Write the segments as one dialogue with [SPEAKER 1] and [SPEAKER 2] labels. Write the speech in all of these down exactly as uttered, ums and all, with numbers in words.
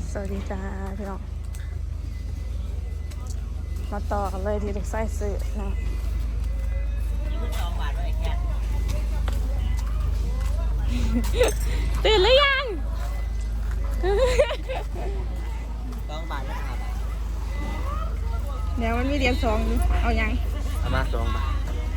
[SPEAKER 1] สวัสดีจ้าพี่น้องมาต่อกันเลยที่เด็กไส้สื่อนะตื่นหรือยัง
[SPEAKER 2] ต้องบาทนะครับ
[SPEAKER 1] เดี๋ยวมันมีเรียนสองเอายัง
[SPEAKER 2] เอามาสองบาท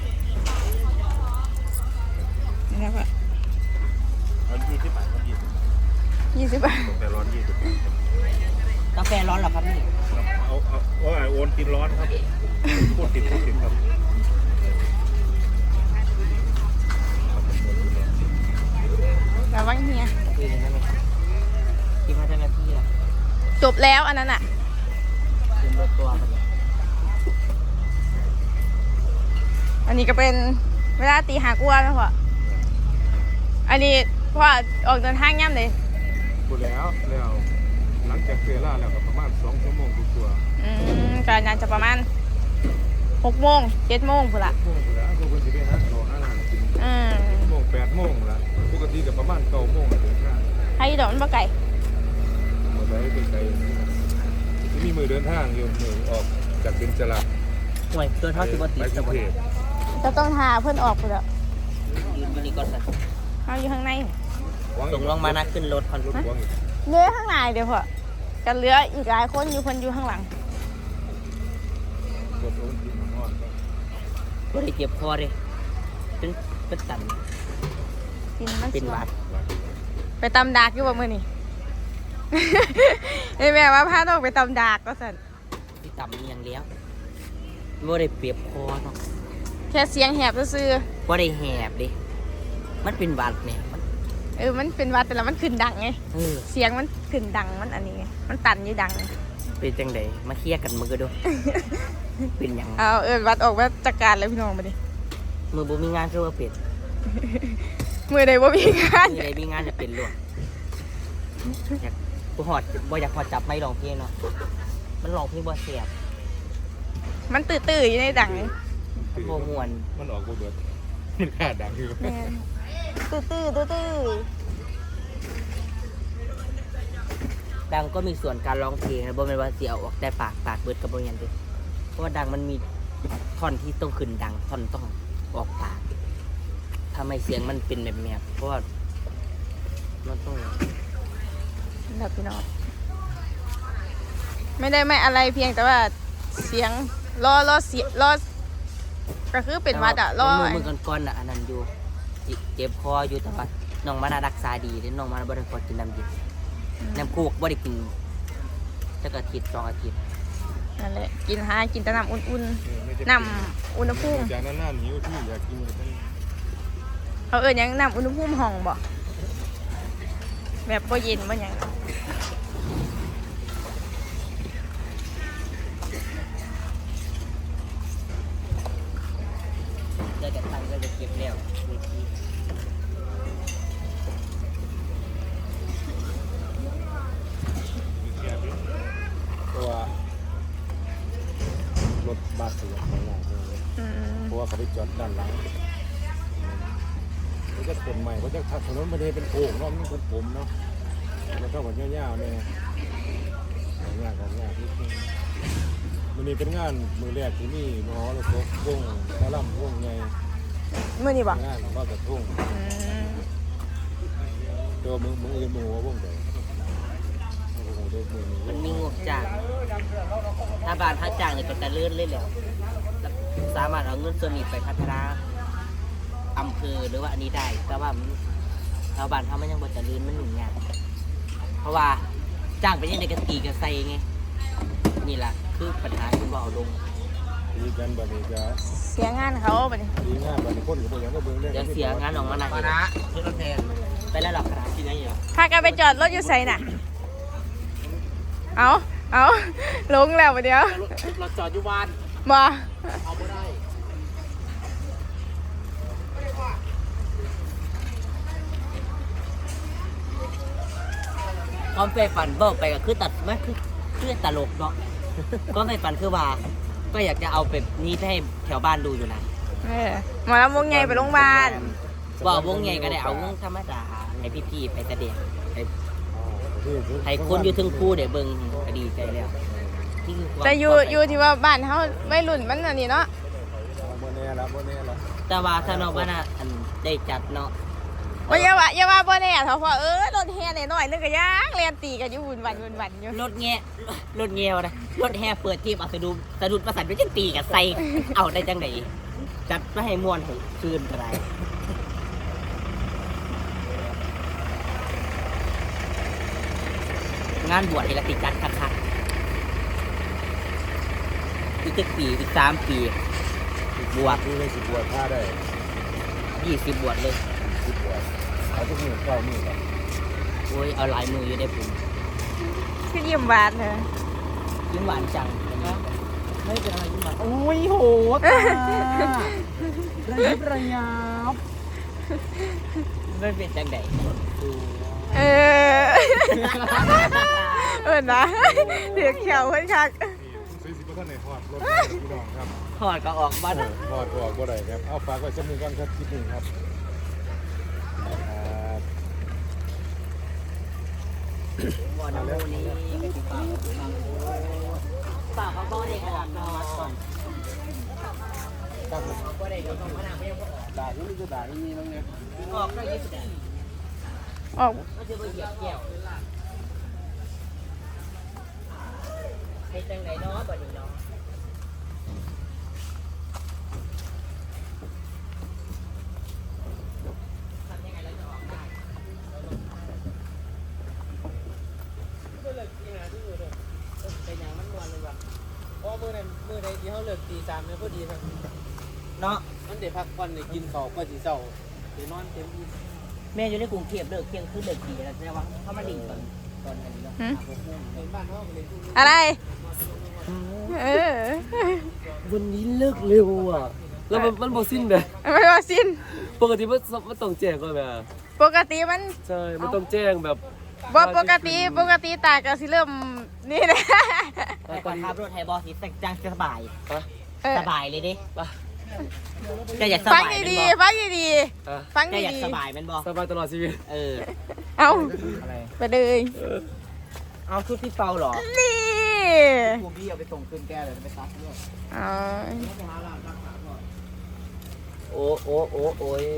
[SPEAKER 1] นี่นะพ่อ
[SPEAKER 3] ร้อนยี่สิบบาทร้อนยี่สิบ
[SPEAKER 1] ยี่สิบบาท
[SPEAKER 3] แต่ร้อนยี่สิบ
[SPEAKER 2] กาแฟร้อนเหรอครับนี่
[SPEAKER 3] ครับเอาเอาเอาโอนกินร้อนครับพูดติดพูดติดครับ
[SPEAKER 1] ระวังเฮีย
[SPEAKER 2] คุยกันได้ไหมครับคิดว่าเจ้าหน้าที่ล่ะ
[SPEAKER 1] จบแล้วอันนั้นอ่ะ
[SPEAKER 2] คืนรถตัวกันเลย
[SPEAKER 1] อันนี้ก็เป็นเวลาตีหากลัวนะพ่ออันนี้พ่อออกเดินทางย่ำเลย
[SPEAKER 3] พูดแล้วแล้วหลังจากเสียล่าแล้วก็ประมาณสองชั่วโมงกว่า
[SPEAKER 1] อืมก็น่าจะประมาณหกโมงเจ็ดโมงพุ่นละ
[SPEAKER 3] ชั่วโมงพูดแล้วก็ควรจะไปหาข้าวหาอาหารกิน
[SPEAKER 1] อืม
[SPEAKER 3] โมงแปดโมงละปกติก็ประมาณเก้าโมงถึงห้า
[SPEAKER 1] ให้ดอกมันบ่ไก่
[SPEAKER 3] หมดแล้วไกลๆที่มีมือเดินทางอยู่มือออกจากเป็นจรา
[SPEAKER 2] ห่วยตัวเท่าสิบวัต
[SPEAKER 3] ไป
[SPEAKER 2] ติ
[SPEAKER 3] ก
[SPEAKER 2] จะ
[SPEAKER 3] รุง
[SPEAKER 2] บด
[SPEAKER 3] เทพ
[SPEAKER 1] จะต้องหาเพื่อนออกพุ่นละ
[SPEAKER 2] ยืนบริกรสัตว์
[SPEAKER 1] เขาอยู่ข้างใน
[SPEAKER 2] ส่งลงมานะขึ้นรถคอน
[SPEAKER 3] รถหวงอีก
[SPEAKER 1] เนื้อข้างในเดี๋ยวพ่อกันเหลืออีกหลายคนอยู่คนอยู่ข้างหลัง
[SPEAKER 3] รถโอนกินนอน
[SPEAKER 2] ก็ได้เจ็บคอเลยเป็นเป็นตัน
[SPEAKER 1] กินมัน
[SPEAKER 2] เป็นหวัด
[SPEAKER 1] ไปตำดากอยู่บ่มื้อนี้ ไอ้แม่ว่าพาน้องไปตำดากก็สั่น
[SPEAKER 2] ที่ต่ำนี่ยังเลี้ยวว่าได้เปรียบคอเนาะ
[SPEAKER 1] แค่เสียงแหบซื่อ
[SPEAKER 2] ว่าได้แหบดิมันเป็นหวัดเนี่ยมัน
[SPEAKER 1] ๆเออมันเป็นหวัดแต่ละมันขึ้นดังไง
[SPEAKER 2] เออ
[SPEAKER 1] เสียงมันขึ้นดังมันอันนี้ไงมันตันอยู่ดัง
[SPEAKER 2] เป็นจังไดมาเคลียร์กันมือด้วย เป็นหยัง
[SPEAKER 1] เอาเออวัดออกมาจัดการเลยพี่น้องมาดิ
[SPEAKER 2] มือบ่มีงานคือว่าเป็ด
[SPEAKER 1] มือใดบ่มีงาน
[SPEAKER 2] มือใดมีงานจะเป็นหลวงอยากบ่หอดบ่อยากหอดจับไม่ร้องเพลงเนาะมันร้องเพลงบ่เสียบ
[SPEAKER 1] มันตื่นๆอยู่ในดัง
[SPEAKER 2] มันบ่ม่วน
[SPEAKER 3] มันออกบ่เบิดมันขาดดังอยู่
[SPEAKER 1] แม่นตื่นๆตื่น
[SPEAKER 2] ดังก็มีส่วนการร้องเพลงนะบ่แม่นว่าสิเอาออกแต่ปากปากเบิดก็บ่แม่นเด้เพราะว่าดังมันมีท่อนที่ต้องขึ้นดังท่อนต้องออกปากทำให้เสียงมันเป็นแบบแมบเพราะว่ามันต้อง
[SPEAKER 1] ๆแบบพี่น้องไม่ได้ไม่อะไรเพียงแต่ว่าเสียงรอรอเสียรอก็คือเป็นหวัดอ่ะรอ
[SPEAKER 2] มือมือก่อนๆน่ะอันนั้นอยู่เจ็บคออยู่แต่ว่าน้องมาน่ารักษาดีเด้น้องมาบ่ได้ขอกินน้ำเย็นน้ำโคกบ่ได้กินจักอาทิตย์สองอาทิตย์
[SPEAKER 1] นั่นแหละกินหากินแต่น้ำอุ่นๆน้ำอุณหภูมิ
[SPEAKER 3] จากนั้นน่าหิวที่อยากกินก็ต้อง
[SPEAKER 1] เขาเอ่ยยังน้ำอุณหภูมิห้องบ่แบบบ่เย็นบ่หยัง
[SPEAKER 2] ได้แต่ตังค์ก็จะเก็บแล้วเวที
[SPEAKER 3] มีแค่นี้เพราะว่ารถบัสเสียไม่ได้เลย
[SPEAKER 1] อืม
[SPEAKER 3] เพราะว่าเขาไปจอดด้านหลังเขาจะเป็นใหม่เขาจะทักถนนไม่ได้เป็นโค้งเนาะมันเป็นผมเนาะแล้วก็แบบยาวๆเนี่ยของยากของยากที่มันนี่เป็นงานมือแรกที่นี่มหรสพวงตะล่ำวงใหญ่
[SPEAKER 1] มื้อนี้บ่
[SPEAKER 3] งานก็กระทุ่ง
[SPEAKER 1] อืม
[SPEAKER 3] ตัวมือมืออื่นมือหัววงเดียวโอ้โหเด็กมือ
[SPEAKER 2] มันมีงบจ้างถ้าบ้านถ้าจ้างเนี่ยก็จะเลื่อนเลยแหละแล้วสามารถเอาเงินส่วนนี้ไปพัฒนาอำเภอหรือว่าอันนี้ได้ แต่ว่ามันชาวบ้านเขามันยังบ่จะลื่นมันหนุนงานเพราะว่าจ้างไปยังในกะตีกะใส่ไงนี่แหละคือปัญหาที่ว่าเอาลง
[SPEAKER 3] ดีกันบัดนี้จะ
[SPEAKER 1] เสียงานเขาบัดนี้
[SPEAKER 3] ดีงานบัดนี้คนกับพวกอย่างก็เบิ่งเรื่อง
[SPEAKER 2] เดี๋ยวเสียงานออกมาหนักนะเพื่อนแทนไปแล้วหรอกครับที่ไหนอยู่
[SPEAKER 1] พากันไปจอดรถอยู่ไสน่ะเอาเอาลงแล้วบัดเดียว
[SPEAKER 2] เราจอดอยู่บ้าน
[SPEAKER 1] บ่
[SPEAKER 2] เอาไม่ได้ความไปฝันเบิกไปก็คือตัดไม่คือคือตลกเนาะความไปฝันคือว่า ก็อยากจะเอาแบบนี้ให้แถวบ้านดูอยู่นะ
[SPEAKER 1] เออหมอลำวงใหญ่ไปโรงพยาบาล
[SPEAKER 2] ว่าวงใหญ่ก็ได้เอาวงธรรมดาให้พี่ๆไปแสดงไป
[SPEAKER 3] อ๋อ
[SPEAKER 2] ให้คนอยู่ถึงคู่เดี๋ยวเบิ่งก็ดีใจแล้วที่คือความ
[SPEAKER 1] แต่อยู่อยู่ที่ว่าบ้านเขาไม่รุ่นมันอันนี้เนาะ
[SPEAKER 3] โมเน่ละโมเน่ละ
[SPEAKER 2] แต่ว่าถ้าเนาะว่าน่ะอันได้จัดเนาะ
[SPEAKER 1] ว่าอย่าว่าอย่าว่าบ่แน่เถอะเพราะเออรถแห่หน่อยๆนึงก็ย่างเรียนตีกันอยู่วุ่นวันวุ่นวันอยู่
[SPEAKER 2] รถแง่รถแง่วนะรถแห่เปิดทีมเอาสะดุดสะดุดประสานไปจังตีกับใส่เอาได้จังไดจัดมาให้ม่วนให้คืนอะไรงานบวชนี่ละติจัดคักๆอีกเจ็ดปีอีกสามปีบวช
[SPEAKER 3] ดูเลยสิบวชท่าได้
[SPEAKER 2] ยี่สิบบวชเลย
[SPEAKER 3] สิบบวชเอาทุกมือเก้ามือครับ
[SPEAKER 2] โอ้ยเอาหลายมืออยู่ได้ผม
[SPEAKER 1] คือยิ้มหวานเถอะ
[SPEAKER 2] ยิ้มหวานจังนะไม่เป็นอะไรยิ้มหวาน
[SPEAKER 4] โอ้ยโหตาระยิบระยับ
[SPEAKER 2] ไม่เป็นจังได
[SPEAKER 1] เออเออนะเดือดเขียวเพิ่นคัก
[SPEAKER 3] ซื้อสิบท่านในทอดรถพี่น้องครับ
[SPEAKER 2] ถอดก็ออกบ้าน
[SPEAKER 3] ทอดออกบ่ได้ครับเอาฝากไว้สักมือก่อนครับคลิปหนึ่งครับครับ
[SPEAKER 2] บ่อน้ำมูนี้ก็ติดปากปากเขาบ่ได้ออกนอนก่อน
[SPEAKER 3] ตั้ง
[SPEAKER 2] บ่ได้ก็ต้องมานั่งไม่ได้
[SPEAKER 3] ด่าที่นี่ก็ด่าที่นี่น้องเนี่ย
[SPEAKER 2] ออกก็ยี่สิบ
[SPEAKER 1] ออก
[SPEAKER 2] ก็จะไปเหยียบแก้วให้จังไดเนาะบ่นี้เนาะทำยังไงแล้วจะออกได้ เป็นอย่างมันมวนเลยว่ะ
[SPEAKER 4] เพราะมือนั้นมือใดที่เขาเลิกตีสามเนี่ยพอดีครับ
[SPEAKER 2] เนาะ
[SPEAKER 4] มันเดี๋ยวพักผ่อนได้กินข้าวก็สิเศร้าเดี๋ยวนอนเต็มที่
[SPEAKER 2] แม่อยู่ในกรุงเทพเลิกเที่ยงคืนเลิกตีแล้วแต่ว่าเขามาดิ่งตอนตอนนี้เนาะ
[SPEAKER 4] เห็นบ้านเขาก็เลยพูด
[SPEAKER 1] อะไรเออ
[SPEAKER 4] วันนี้เลิกเร็วอ่ะ แล้วมันมันบ่สิ้นเลย
[SPEAKER 1] ไม่ว่าสิ้น
[SPEAKER 4] ปกติมันมันต้องแจ้งก่อนแม่
[SPEAKER 1] ปกติมัน
[SPEAKER 4] ใช่ มันต้องแจ้งแบบ
[SPEAKER 1] บ่ปกติปกติตาก็สิเริ่มนี่นะ
[SPEAKER 2] แต่ก่อนขับรถไทยบอสสิจังสบาย
[SPEAKER 4] ปะ
[SPEAKER 1] เออ
[SPEAKER 2] สบายเลยดิ
[SPEAKER 4] ปะ
[SPEAKER 2] จะอยากส
[SPEAKER 1] ฟัง
[SPEAKER 2] บาย
[SPEAKER 1] ดี
[SPEAKER 2] เป็นบ
[SPEAKER 1] ๆฟังดี
[SPEAKER 4] อ่ะ
[SPEAKER 1] ๆฟัง
[SPEAKER 2] จะอยาก
[SPEAKER 1] ดี
[SPEAKER 2] สบายเป็นบอ
[SPEAKER 4] สบายตลอดชีวิต
[SPEAKER 2] เออ
[SPEAKER 1] ๆเอา
[SPEAKER 2] อะไร
[SPEAKER 1] ไปเลย
[SPEAKER 2] เอาชุดพี่เปาหรอ
[SPEAKER 1] นี่
[SPEAKER 2] กูพี่เอาไปส่งคืนแกเลยไปซักด้วย
[SPEAKER 1] อ๋อ
[SPEAKER 4] โอ้โอ้โอ้โอ้ย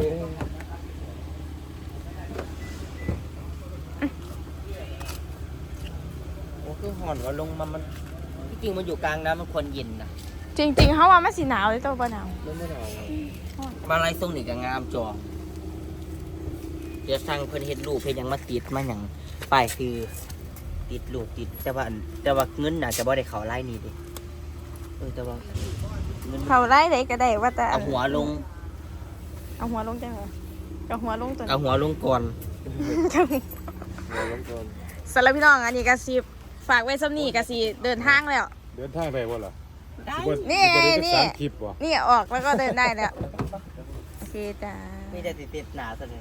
[SPEAKER 2] โอ้คือห่อนว่าลงมามันที่จริงมันอยู่กลางน้ำมันควรเย็นนะ
[SPEAKER 1] จริงๆเขาว่ามันสิหนาวเลยตัวบ่หนาว
[SPEAKER 4] ไม่ไม่เอา
[SPEAKER 2] มาไล่ส่งนี่ก็งามจอเดี๋ยวสั่งเพิ่นเฮ็ดรูปเพิ่นยังมาติดมาหยังป้ายคือติดรูปติดแต่ว่าแต่ว่าเงินน่ะจะบ่ได้เข้าไล่นี่ดิเออแต่ว่าเงิน
[SPEAKER 1] เขาไล่ได้ก็ได้ว่าแต่
[SPEAKER 2] เอาหัวลง
[SPEAKER 1] เอาหัวลงจังเหรอเอาหัวลงตัว
[SPEAKER 2] เอาหัวลงก่อน
[SPEAKER 3] เราล้มก่อน
[SPEAKER 1] สำหรับพี่น้องอันนี้ก็สิฝากไว้ซ้ำนี่ก็สิเดินทางแล้ว
[SPEAKER 3] เดินทางได้บ่ล่ะ
[SPEAKER 2] ได้
[SPEAKER 3] สิบ่
[SPEAKER 1] นี่
[SPEAKER 3] สิบ่ได้
[SPEAKER 1] นี่
[SPEAKER 3] สามคลิปบ่
[SPEAKER 1] นี่ออกแล้วก็เดินได้แล้วโอเคจ้า
[SPEAKER 2] มีแต่ติดติดหนาซะเลย